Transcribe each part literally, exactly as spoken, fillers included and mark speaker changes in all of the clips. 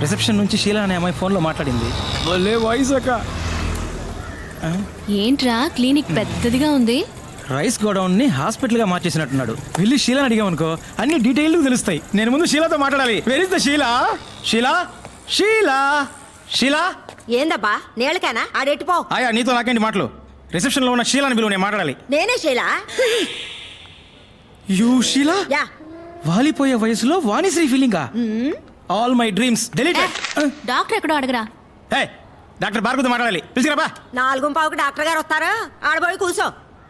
Speaker 1: Reception నుంచి షీలా అనే అమ్మాయి ఫోన్లో మాట్లాడింది. భలే వాయిస్ అక్క.
Speaker 2: ఏంట్రా క్లినిక్ పెద్దదిగా ఉంది.
Speaker 1: రైస్ గోడౌన్ని హాస్పిటల్గా మార్చేసినట్టున్నాడు. వెళ్ళి షీలాని అడిగామనుకో అన్ని డీటెయిల్ తెలుస్తాయి. నేను ముందు షీలాతో మాట్లాడాలి. Where is the Sheela? Sheela Sheela Sheela
Speaker 3: ఏందబ్బా నేలకేనా ఆడెట్టిపో.
Speaker 1: ఆయా నీతో నాకేంటి మాటలు? రిసెప్షన్లో ఉన్న షీలాని బిలువ, నేను మాట్లాడాలి.
Speaker 3: నేనే శైలా.
Speaker 1: యూ షీలా?
Speaker 3: యా.
Speaker 1: వాలిపోయే వయసులో వాణిశ్రీ ఫీలింగా? All my dreams deleted.
Speaker 2: Doctor ఎక్కడో అడగరా.
Speaker 1: హే డాక్టర్ భార్గవతో మాట్లాడాలి. పిలిచిరాబా.
Speaker 3: నాలుగు పావుకి డాక్టర్ గారు వస్తారు. ఆడబోయి కూర్చో.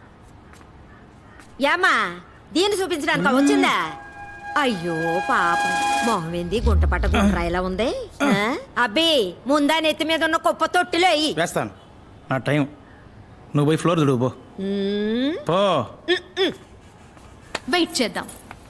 Speaker 3: ఏమ్మా దీన్ని చూపించడానికి వచ్చిందా? అయ్యో పాపం మొహం ఏంది గుంట పట్ట గుండ్రాయిలా ఉంది. ఆ? అబ్బి ముందా నెత్తి మీద ఉన్న కుప్ప తొట్టిలో అయ్యి
Speaker 1: వేస్తాను. నా టైం. నువ్వు పోయి ఫ్లోర్ దుడువు పో. పో.
Speaker 2: వెయిట్ చేద్దాం.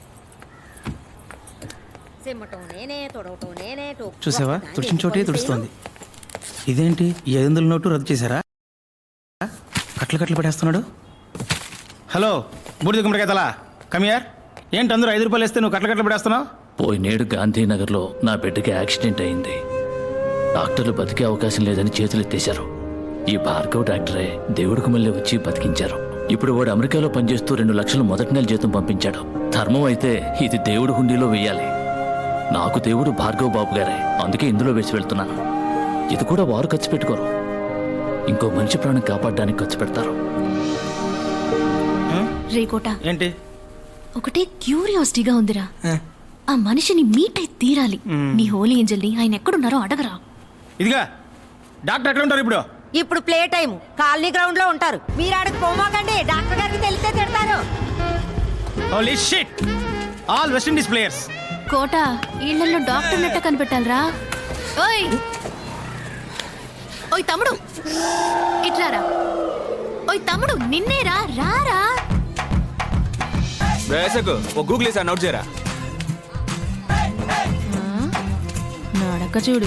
Speaker 3: సిమ్మటం నేనే తొడవటం నేనే టోపు.
Speaker 1: చూసావా తుడిచిన చోటే తుడుస్తోంది. ఇదేంటి ఈ ఐదు వందల నోటు రద్దు చేశారా? కట్లు కట్లు పడేస్తున్నాడు. హలో బూడిద గుమ్మడికాయ తలా కమియార్. ఏంటి అందరూ ఐదు రూపాయలు వేస్తే నువ్వు కట్ల కట్లు పడేస్తున్నావు?
Speaker 4: పోయినేడు గాంధీనగర్లో నా బిడ్డకి యాక్సిడెంట్ అయింది. డాక్టర్లు బతికే అవకాశం లేదని చేతులెత్తేశారు. ఈ భార్గవ్ డాక్టరే దేవుడికి మళ్ళీ వచ్చి బతికించారు. ఇప్పుడు వాడు అమెరికాలో పనిచేస్తూ రెండు లక్షలు మొదటి నెల జీతం పంపించాడు. ధర్మం అయితే ఇది దేవుడి హుండీలో వెయ్యాలి. నాకు దేవుడు భార్గవ్ బాబు గారే, అందుకే ఇందులో వేసి వెళ్తున్నాను. ఇది కూడా వారు ఖర్చు పెట్టుకోరు, ఇంకో మనిషి ప్రాణం కాపాడడానికి ఖర్చు పెడతారు.
Speaker 2: రేకోట
Speaker 1: ఏంటి?
Speaker 2: ఒకటే క్యూరియాసిటీగా ఉందిరా. ఆ మనిషిని మీట్ అయి తీరాలి. నీ హోలీ ఏంజల్ని ఆయన ఎక్కడున్నారో అడగరా.
Speaker 1: ఇదిగా డాక్టర్ ఎక్కడ ఉంటారు ఇప్పుడు?
Speaker 3: ఇప్పుడు ప్లే టైం కాలనీ గ్రౌండ్ లో ఉంటారు. మీరు ఆడకు పోమాకండి, డాక్టర్ గారికి తెలిస్తే తిడతారు.
Speaker 1: Holy shit. All West Indies players.
Speaker 2: కోట ఇళ్లలో డాక్టర్ నెట్ట కనిపెట్టాలరా. ఓయ్ ఓయ్ తమ్ముడు ఇట్లారా. ఓయ్ తమ్ముడు నిన్నేరా, రారా.
Speaker 5: వేసకు ఓ గూగుల్ వేసి నోట్ చేయరా.
Speaker 2: నడక చూడు.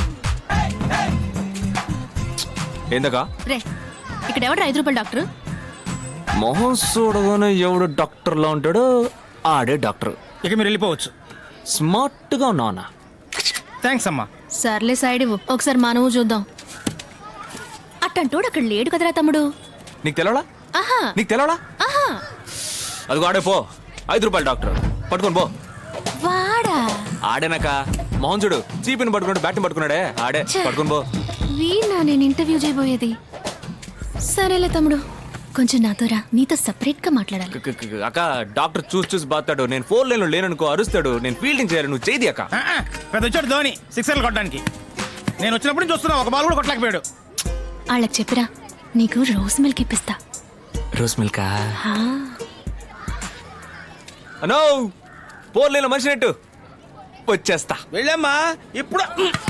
Speaker 5: ఏందకా
Speaker 2: రే ఇక్కడ ఎవడు ఐదు రూపాయలు డాక్టర్?
Speaker 5: మొహం చూడగానే ఎవడు డాక్టర్లా ఉంటాడో ఆడే డాక్టర్.
Speaker 1: ఇక మీరు వెళ్ళిపోవచ్చు.
Speaker 5: స్మార్ట్ గా ఉన్నావునా?
Speaker 1: థ్యాంక్స్ అమ్మా.
Speaker 2: సర్లే సైడ్ ఇవ్వు, ఒకసారి మనము చూద్దాం. అట్టంటోడు అక్కడ లేడు కదరా తమ్ముడు.
Speaker 5: నీకు తెలవడా?
Speaker 2: ఆహా
Speaker 5: నీకు తెలవడా?
Speaker 2: ఆహా
Speaker 5: అదిగో ఆడే పో. ఐదు రూపాయలు డాక్టర్ పట్టుకొని పో.
Speaker 2: వాడా
Speaker 5: ఆడేనాక మొహం చూడు, చీపిని పట్టుకున్నాడు, బ్యాట్ని పట్టుకున్నాడే ఆడే. పట్టుకొని పో.
Speaker 2: వీణా నేను ఇంటర్వ్యూ చేయబోయేది. సరేలే తమ్ముడు, కొంచెం నాతో రా, నీతో సపరేట్ గా మాట్లాడాలి.
Speaker 5: క- క- క- అక్క డాక్టర్ చూసి చూసి బాతాడు. నేను ఫోర్ లైన్ లో లేననుకో అరుస్తాడు. నేను ఫీల్డింగ్ చేయాలి, నువ్వు చేయి అక్క.
Speaker 1: ఆ, ఆ, పెద్ద వచ్చాడు ధోని సిక్సర్లు కొట్టడానికి. నేను వచ్చినప్పుడు నుంచి చూస్తున్నా, ఒక బాల్ కూడా కొట్టలేకపోయాడు.
Speaker 2: వాళ్ళకి చెప్పిరా నీకు రోజ్ మిల్క్ ఇప్పిస్తా.
Speaker 5: రోజ్ మిల్కా?
Speaker 2: హా.
Speaker 5: అనో ఫోర్ లైన్ లో మనిషి నెట్టు వచ్చేస్తా.
Speaker 1: వెళ్ళమ్మా ఇప్పుడు.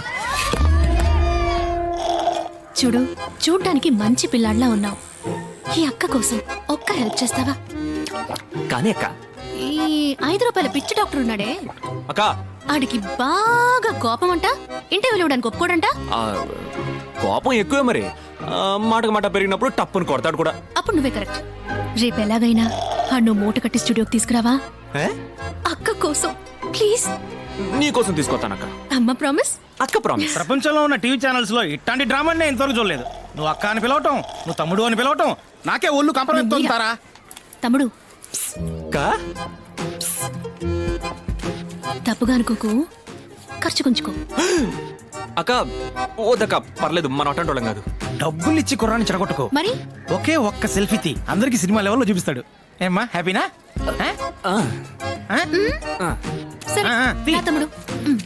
Speaker 2: చూడు చూడ్డానికి మంచి పిల్లాడిలా ఉన్నావు. ఈ అక్క కోసం ఒక్క హెల్ప్ చేస్తావా?
Speaker 5: కానీ అక్క
Speaker 2: ఈ ఐదు రూపాయల పిచ్చి డాక్టర్ ఉన్నాడే,
Speaker 5: అక్క
Speaker 2: ఆడికి బాగా కోపం అంట. ఇంటర్వ్యూలు ఇవ్వడానికి ఒప్పుకోడంట.
Speaker 5: ఆ, కోపం ఎక్కువే మరి. ఆ, మాటకు మాట పెరిగినప్పుడు టప్పుని కొడతాడు కూడా.
Speaker 2: అప్పుడు నువ్వే కరెక్ట్. రేపు ఎలాగైనా ఆ నువ్వు మూట కట్టి స్టూడియోకి తీసుకురావా?
Speaker 5: ఏ?
Speaker 2: అక్క కోసం ప్లీజ్.
Speaker 5: నీ కోసం తీసుకొస్తానక్క.
Speaker 2: అమ్మ ప్రామిస్.
Speaker 5: అక్క ప్రామిస్.
Speaker 1: ప్రపంచంలో ఉన్న టీవీ ఛానల్స్ లో ఇట్లాంటి డ్రామాని నేను ఇంతవరకు చూడలేదు. నువ్వు అక్క అని పిలవటం, నువ్వు తమ్ముడు అని పిలవటం, నాకే ఒళ్ళు కంపరంతారా.
Speaker 2: తమ్ముడు
Speaker 5: అక్క
Speaker 2: తప్పుగా అనుకోకు, ఖర్చు కొంచుకో.
Speaker 5: అక్క ఓదక్క పర్లేదు, మన అటెండ్ వాళ్ళం కాదు.
Speaker 1: డబ్బులు ఇచ్చి కుర్రాన్ని చెడగొట్టుకో.
Speaker 2: మరి
Speaker 1: ఒకే ఒక్క సెల్ఫీ తీ, అందరికి సినిమా లెవెల్లో చూపిస్తాడు. ఏమ్మా హ్యాపీనా? ఆ?
Speaker 5: ఆ,
Speaker 1: ఆ?
Speaker 5: ఆ.
Speaker 2: సరే
Speaker 1: ఆ, ఆ, తీ.
Speaker 2: రా తమ్ముడు. ఉమ్.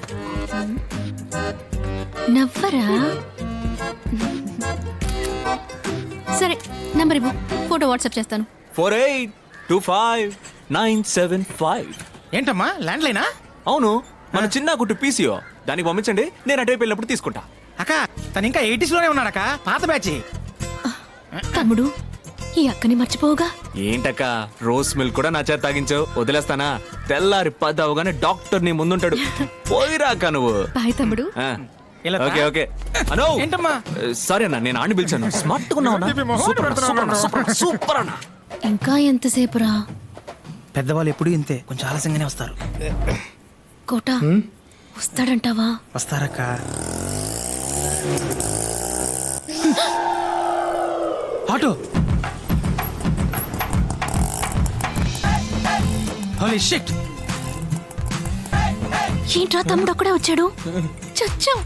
Speaker 2: నవ్వరా. సరే నంబర్ ఇవ్వు, ఫోటో వాట్సాప్ చేస్తాను.
Speaker 5: Four eight two five nine seven five.
Speaker 1: ఏంటమ్మా ల్యాండ్ లైనా?
Speaker 5: అవును, మన చిన్న కుట్టు పీసీఓ. దానికి పంపించండి, నేను అటువైపు వెళ్ళినప్పుడు తీసుకుంటా.
Speaker 1: అక్క తను ఇంకా ఎయిటీస్ లోనే ఉన్నాడక్క, పాత బ్యాచ్.
Speaker 2: తమ్ముడు ఈ అక్కని మర్చిపోవుగా.
Speaker 5: ఏంటక్క రోజ్ మిల్క్ కూడా నా చేత తాగించావు, వదిలేస్తానా? తెల్లారి పది అవగానే డాక్టర్ నీ ముందుంటాడు. పోయిరాక నువ్వు.
Speaker 2: బాయ్ తమ్ముడు.
Speaker 5: ఆ,
Speaker 1: ఇలా
Speaker 5: ఓకే ఓకే. అనో
Speaker 1: ఏంటమ్మా?
Speaker 5: సరే అన్న, నేను ఆడిని పిలిచాను. స్మార్ట్ గా ఉన్నావు అన్న. సూపర్ అన్న, సూపర్ అన్న, సూపర్ అన్న, సూపర్ అన్న.
Speaker 2: ఇంకా ఎంతసేపు రా?
Speaker 1: పెద్దవాళ్ళు ఎప్పుడు ఇంతే, కొంచెం ఆలస్యంగానే వస్తారు.
Speaker 2: కోట వస్తాడంటావా?
Speaker 1: వస్తారక్క. ఆటో. Holy shit.
Speaker 2: ఏంట్రా తమ్ముడు అక్కడే వచ్చాడు? చచ్చా.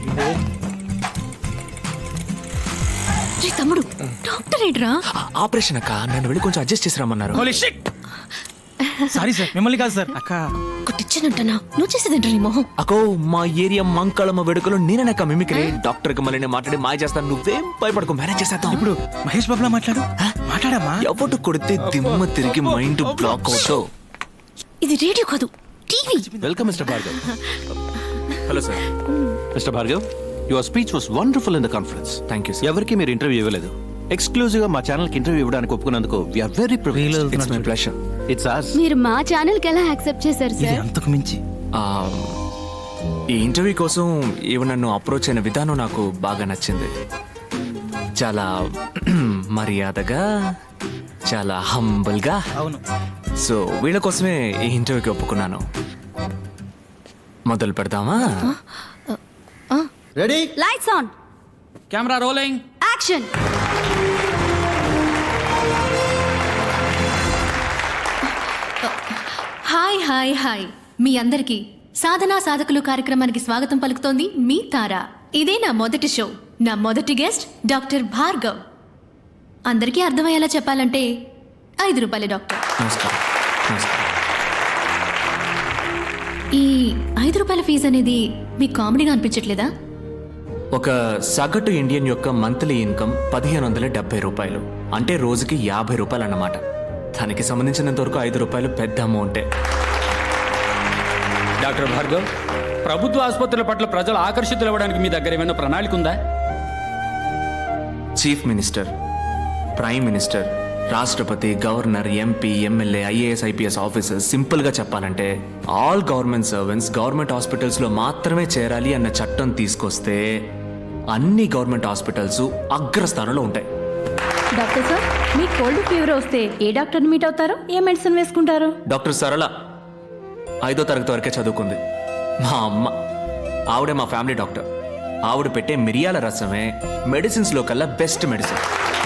Speaker 2: రే తమ్ముడు, డాక్టర్ ఏంట్రా?
Speaker 5: ఆపరేషన్ అక్క, నన్ను వెళ్ళి కొంచెం అడ్జస్ట్ చేసి రమ్మన్నారు.
Speaker 1: Holy shit. సారీ సార్, మిమ్మల్ని కాదు సార్. అక్క
Speaker 2: కొట్టిచ్చానంటనా? నువ్వు చేసేదేంట్రా నీ మొహం?
Speaker 5: అకో, మా ఏరియా మంకళమ్మ వేడుకలో నేననక్క మిమిక్రీ. డాక్టర్ కి మళ్ళీ నేను మాట్లాడి మాయ చేస్తాను. నువ్వేం భయపడకు, మేనేజ్ చేసేద్దాం.
Speaker 1: ఇప్పుడు మహేష్ బాబులా మాట్లాడు. మాట్లాడమ్మా.
Speaker 5: ఎవడు కొడితే దిమ్మ తిరిగి మైండ్ బ్లాక్ అవుతావు.
Speaker 2: ఇది రేడియో కాదు, TV.
Speaker 6: Welcome mister Bhargav.
Speaker 5: Hello sir.
Speaker 6: Mister Bhargav, your speech was wonderful in the conference.
Speaker 5: Thank you sir.
Speaker 6: ఎవరికి మీరు ఇంటర్వ్యూ ఇవ్వలేదు. ఎక్స్క్లూజివ్ గా మా ఛానల్ కి ఇంటర్వ్యూ ఇవ్వడానికి ఒప్పుకున్నందుకు we are very privileged.
Speaker 5: It's my pleasure.
Speaker 6: It's us.
Speaker 7: మీరు మా ఛానల్ కి ఎలా యాక్సెప్ట్ చేశారు
Speaker 1: ఇది
Speaker 7: సార్?
Speaker 1: అంతకు మించి.
Speaker 5: ఈ ఇంటర్వ్యూ కోసం ఈవిడ నన్ను అప్రోచ్ అయిన విధానం నాకు బాగా నచ్చింది. చాలా మర్యాదగా, చాలా హంబుల్ గా.
Speaker 1: అవును.
Speaker 5: సో వీళ్ళ కోసమే ఈ ఇంటర్వ్యూకి ఒప్పుకున్నాను. మొదలు పెడదామా?
Speaker 1: Ready,
Speaker 7: lights on,
Speaker 1: camera rolling,
Speaker 7: action.
Speaker 2: Hi hi hi, మీ అందరికీ సాధనా సాధకులు కార్యక్రమానికి స్వాగతం పలుకుతోంది మీ తార. ఇదే నా మొదటి షో. నా మొదటి గెస్ట్ డాక్టర్ భార్గవ్. అందరికీ అర్థమయ్యేలా చెప్పాలంటే ఐదు రూపాయలే డాక్టర్.
Speaker 5: నమస్కారం. నమస్కారం.
Speaker 2: ఈ ఐదు రూపాయల ఫీజు అనేది మీకు కామెడీగా అనిపించట్లేదా?
Speaker 5: ఒక సగటు ఇండియన్ యొక్క మంత్లీ ఇన్కమ్ పదిహేను వందల డెబ్బై రూపాయలు, అంటే రోజుకి యాభై రూపాయలు అన్నమాట. దానికి సంబంధించినంత వరకు ఐదు రూపాయలు పెద్ద అమౌంటే.
Speaker 8: డాక్టర్ భార్గవ్, ప్రభుత్వ ఆసుపత్రుల పట్ల ప్రజలు ఆకర్షితులు అవ్వడానికి మీ దగ్గర ఏమైనా ప్రణాళిక ఉందా?
Speaker 5: చీఫ్ మినిస్టర్, ప్రైమ్ మినిస్టర్, రాష్ట్రపతి, governor, MP, MLA, IAS, IPS officers, సింపుల్గా చెప్పాలంటే ఆల్ గవర్నమెంట్ సర్వెంట్స్ గవర్నమెంట్ హాస్పిటల్స్లో మాత్రమే చేరాలి అన్న చట్టం తీసుకొస్తే అన్ని గవర్నమెంట్ హాస్పిటల్స్ అగ్రస్థానంలో ఉంటాయి.
Speaker 7: డాక్టర్ సార్, మీ కోల్డ్ ఫీవర్ వస్తే ఏ డాక్టర్ని మీట్ అవుతారు? ఏ మెడిసిన్ వేసుకుంటారు?
Speaker 5: డాక్టర్ సరళ ఐదో తరగతి వరకే చదువుకుంది. మా అమ్మ, ఆవిడే మా ఫ్యామిలీ డాక్టర్. ఆవిడ పెట్టే మిరియాల రసమే మెడిసిన్స్లో కల్లా బెస్ట్ మెడిసిన్.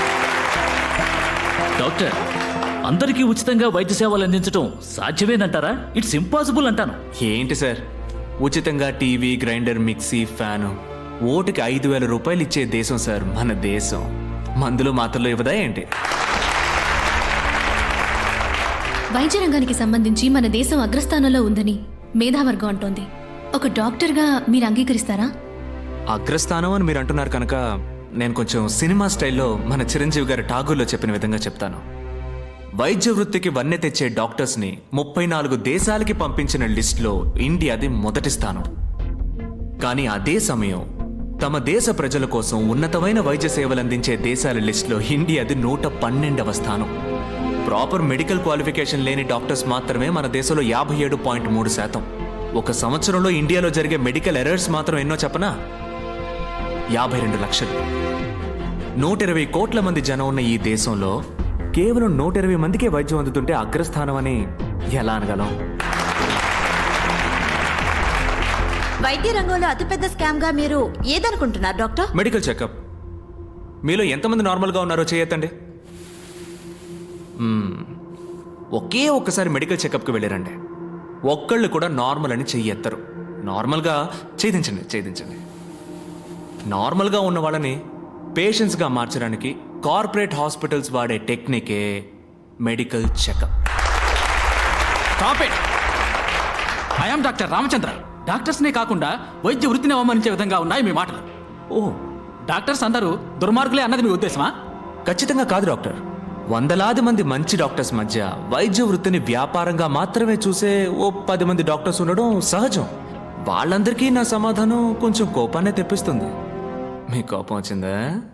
Speaker 4: డాక్టర్, అందరికీ ఉచితంగా వైద్య సేవలు అందించడం సాధ్యమేనంటారా? ఇట్స్ ఇంపాసిబుల్ అంటాను.
Speaker 5: ఏంటి సార్, ఉచితంగా టీవీ, గ్రైండర్, మిక్సీ, ఫ్యాను, ఓటుకి ఐదు వేల రూపాయలు ఇచ్చే దేశం సార్ మన దేశం. మందులు మాత్రలు ఇవ్వదా ఏంటి?
Speaker 2: వైద్య రంగానికి సంబంధించి మన దేశం అగ్రస్థానంలో ఉందని మేధావర్గం అంటోంది. ఒక డాక్టర్గా మీరు అంగీకరిస్తారా?
Speaker 5: అగ్రస్థానం అని మీరు అంటున్నారు కనుక నేను కొంచెం సినిమా స్టైల్లో మన చిరంజీవి గారి ఠాగూర్లో చెప్పిన విధంగా చెప్తాను. వైద్య వృత్తికి వన్నె తెచ్చే డాక్టర్స్ని ముప్పై నాలుగు దేశాలకి పంపించిన లిస్టులో ఇండియాది మొదటి స్థానం. కానీ అదే సమయం తమ దేశ ప్రజల కోసం ఉన్నతమైన వైద్య సేవలు అందించే దేశాల లిస్టులో ఇండియాది నూట పన్నెండవ స్థానం. ప్రాపర్ మెడికల్ క్వాలిఫికేషన్ లేని డాక్టర్స్ మాత్రమే మన దేశంలో యాభై ఏడు పాయింట్ మూడు శాతం. ఒక సంవత్సరంలో ఇండియాలో జరిగే మెడికల్ ఎర్రర్స్ మాత్రం ఎన్నో చెప్పనా? యాభై రెండు లక్షలు. నూట ఇరవై కోట్ల మంది జనం ఉన్న ఈ దేశంలో కేవలం నూట ఇరవై మందికే వైద్యం అందుతుంటే అగ్రస్థానం అని ఎలా అనగలం?
Speaker 9: వైద్య రంగంలో అతిపెద్ద స్కామ్ గా మీరు ఏదనుకుంటున్నారు డాక్టర్?
Speaker 5: Medical checkup. మీలో ఎంతమంది నార్మల్గా ఉన్నారో చేయొద్దండి. మ్మ్. ఒకే ఒక్కసారి మెడికల్ చెకప్కి వెళ్ళారండి, ఒక్కళ్ళు కూడా నార్మల్ అని చెయ్యెత్తరు. నార్మల్గా ఛేదించండి ఛేదించండి నార్మల్గా ఉన్న వాళ్ళని పేషెంట్స్గా మార్చడానికి కార్పొరేట్ హాస్పిటల్స్ వాడే టెక్నికే medical checkup.
Speaker 8: Stop it. I am doctor Ramachandra. డాక్టర్స్నే కాకుండా వైద్య వృత్తిని అవమానించే విధంగా ఉన్నాయి మీ మాటలు.
Speaker 5: ఓ,
Speaker 8: డాక్టర్స్ అందరూ దుర్మార్గులే అన్నది మీ ఉద్దేశమా?
Speaker 5: ఖచ్చితంగా కాదు డాక్టర్. వందలాది మంది మంచి డాక్టర్స్ మధ్య వైద్య వృత్తిని వ్యాపారంగా మాత్రమే చూసే ఓ పది మంది డాక్టర్స్ ఉండడం సహజం. వాళ్ళందరికీ నా సమాధానం కొంచెం కోపాన్ని తెప్పిస్తుంది. మీ కోపం వచ్చిందా?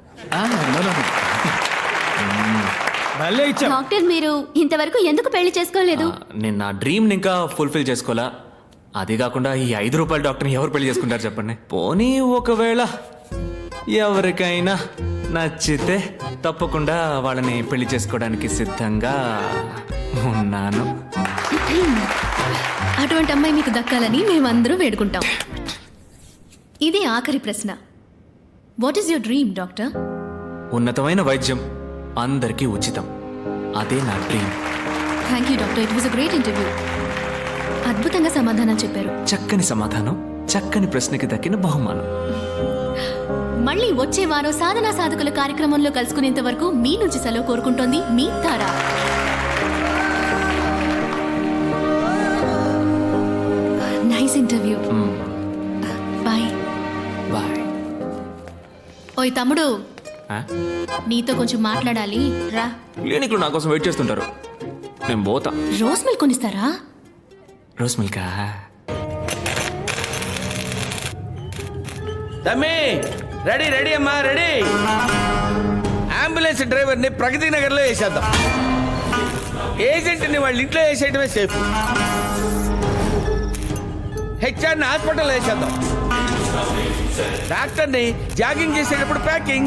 Speaker 1: భలే ఇచ్చావు.
Speaker 7: డాక్టర్, మీరు ఇంతవరకు ఎందుకు పెళ్లి చేసుకోలేదు?
Speaker 5: ఆ, నేను నా డ్రీమ్ని ఇంకా ఫుల్ఫిల్ చేసుకోవాలా. అది కాకుండా ఈ ఐదు రూపాయల డాక్టర్ని ఎవరు పెళ్లి చేసుకుంటారు చెప్పండి? పోనీ ఒకవేళ ఎవరికైనా నచ్చితే తప్పకుండా వాళ్ళని పెళ్లి చేసుకోవడానికి సిద్ధంగా ఉన్నాను.
Speaker 2: అటువంటి అమ్మాయి మీకు దక్కాలని మేమందరూ వేడుకుంటాం. ఇదే ఆఖరి ప్రశ్న. What is your dream doctor?
Speaker 5: ఉన్నతమైన వైద్యం అందరికీ ఉచితం, అదే నా dream.
Speaker 2: Thank you doctor, it was a great interview. అద్భుతంగా సమాధానం చెప్పారు.
Speaker 5: చక్కని సమాధానం, చక్కని ప్రశ్నకి దక్కిన బహుమానం.
Speaker 2: మళ్ళీ వచ్చే వారం సాధనా సాధకుల కార్యక్రమంలో కలుసుకునేంత వరకు మీ నుంచి సెలవు కోరుకుంటోంది మీ Tara. Nice interview. Bye
Speaker 5: bye.
Speaker 2: ఓయ్ తమ్ముడు, నీతో కొంచెం మాట్లాడాలి, రా.
Speaker 5: క్లినిక్లో నా కోసం వెయిట్ చేస్తుంటారు, నేను పోతా.
Speaker 2: రోజ్ మిల్క్ కొనిస్తారా?
Speaker 5: రోస్ మిల్కా?
Speaker 1: తమ్మి రెడీ రెడీ అమ్మా రెడీ. అంబులెన్స్ డ్రైవర్ని ప్రగతి నగర్లో వేసేద్దాం. ఏజెంట్ని వాళ్ళ ఇంట్లో వేసేయటమే సేఫ్. హెచ్ఆర్ని హాస్పిటల్లో వేసేద్దాం. డాక్టర్ని జాగింగ్ చేసేటప్పుడు ప్యాకింగ్.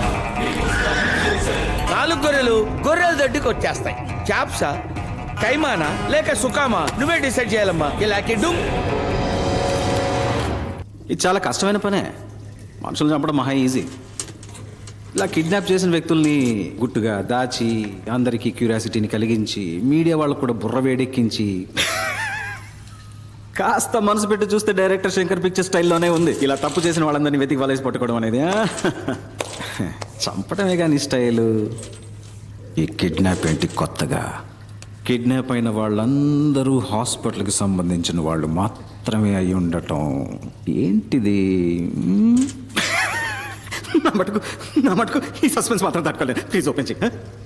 Speaker 1: నాలుగు గొర్రెలు గొర్రెల దొడ్డికి వచ్చేస్తాయి. చాప్సా, కైమానా లేక సుకామా నువ్వే డిసైడ్ చేయాలమ్మా. ఇలా కిడ్డు.
Speaker 6: ఇది చాలా కష్టమైన పనే. మనుషులు చంపడం మహా ఈజీ. ఇలా కిడ్నాప్ చేసిన వ్యక్తుల్ని గుట్టుగా దాచి అందరికీ క్యూరియాసిటీని కలిగించి మీడియా వాళ్ళకు కూడా బుర్ర వేడెక్కించి కాస్త మనసు పెట్టి చూస్తే డైరెక్టర్ శంకర్ పిక్చర్ స్టైల్లోనే ఉంది. ఇలా తప్పు చేసిన వాళ్ళందరినీ వెతికి వలేసి పట్టుకోవడం అనేది. చంపడమే కానీ స్టైలు. ఈ కిడ్నాప్ ఏంటి కొత్తగా? కిడ్నాప్ అయిన వాళ్ళందరూ హాస్పిటల్కి సంబంధించిన వాళ్ళు మాత్రమే అయి ఉండటం ఏంటిది? నా మటుకు నా మటుకు ఈ సస్పెన్స్ మాత్రం తట్టుకోలేదు. ప్లీజ్ ఓపెన్ చేయి.